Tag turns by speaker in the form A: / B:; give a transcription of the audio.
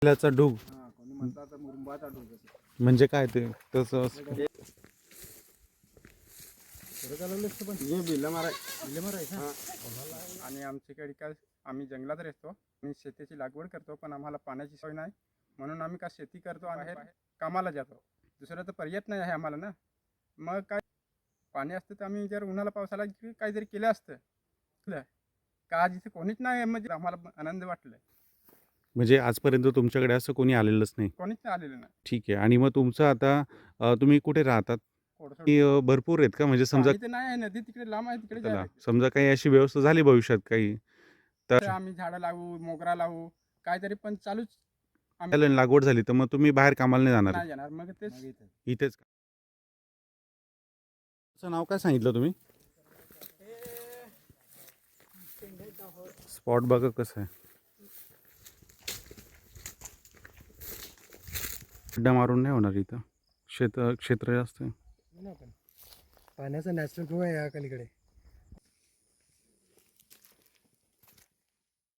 A: त्याचा ढूग
B: कोणी म्हणतात तर मुरुंबाचा ढोक असतो.
A: म्हणजे काय ते तसं
B: हे बिल्ला मारायचं. आणि आमच्याकडे काय आम्ही जंगलात राहतो आणि शेतीची लागवड करतो, पण आम्हाला पाण्याची सोय नाही म्हणून आम्ही का शेती करतो आणि बाहेर कामाला जातो. दुसरं तर पर्याय नाही आहे आम्हाला ना. मग काय पाणी असतं तर आम्ही जर उन्हाला पावसाला काहीतरी केलं असतं का आज इथे कोणीच नाही, म्हणजे आम्हाला आनंद वाटलं.
A: म्हणजे आजपर्यंत तुमच्याकडे असं कोणी आलेलंच नाही.
B: कोणीच नाही आलेलं नाही.
A: ठीक आहे. आणि मग तुमचं आता तुम्ही कुठे राहतात?
B: कोडसोड
A: की भरपूर आहेत का? म्हणजे समजा
B: पाणी तर नाही आहे, नदी तिकडे लांब आहे, तिकडे
A: चला,
B: जायला
A: समजा काही अशी व्यवस्था झाली भविष्यात काही
B: तर
A: तर
B: आम्ही झाडं लावू, मोगरा लावू, काहीतरी पण चालूच.
A: लागवड झाली तर मग तुम्ही बाहेर कामाला नाही जाणार
B: नाही जाणार मग तेच.
A: इथेच का? तुमचं नाव काय सांगितलं तुम्ही? स्पॉट बघा कसं आहे. खड्डा मारून नाही होणार इथं. क्षेत्र जास्त आहे.
C: पाण्याचा नॅचरल फ्लो आहे या अलीकडे.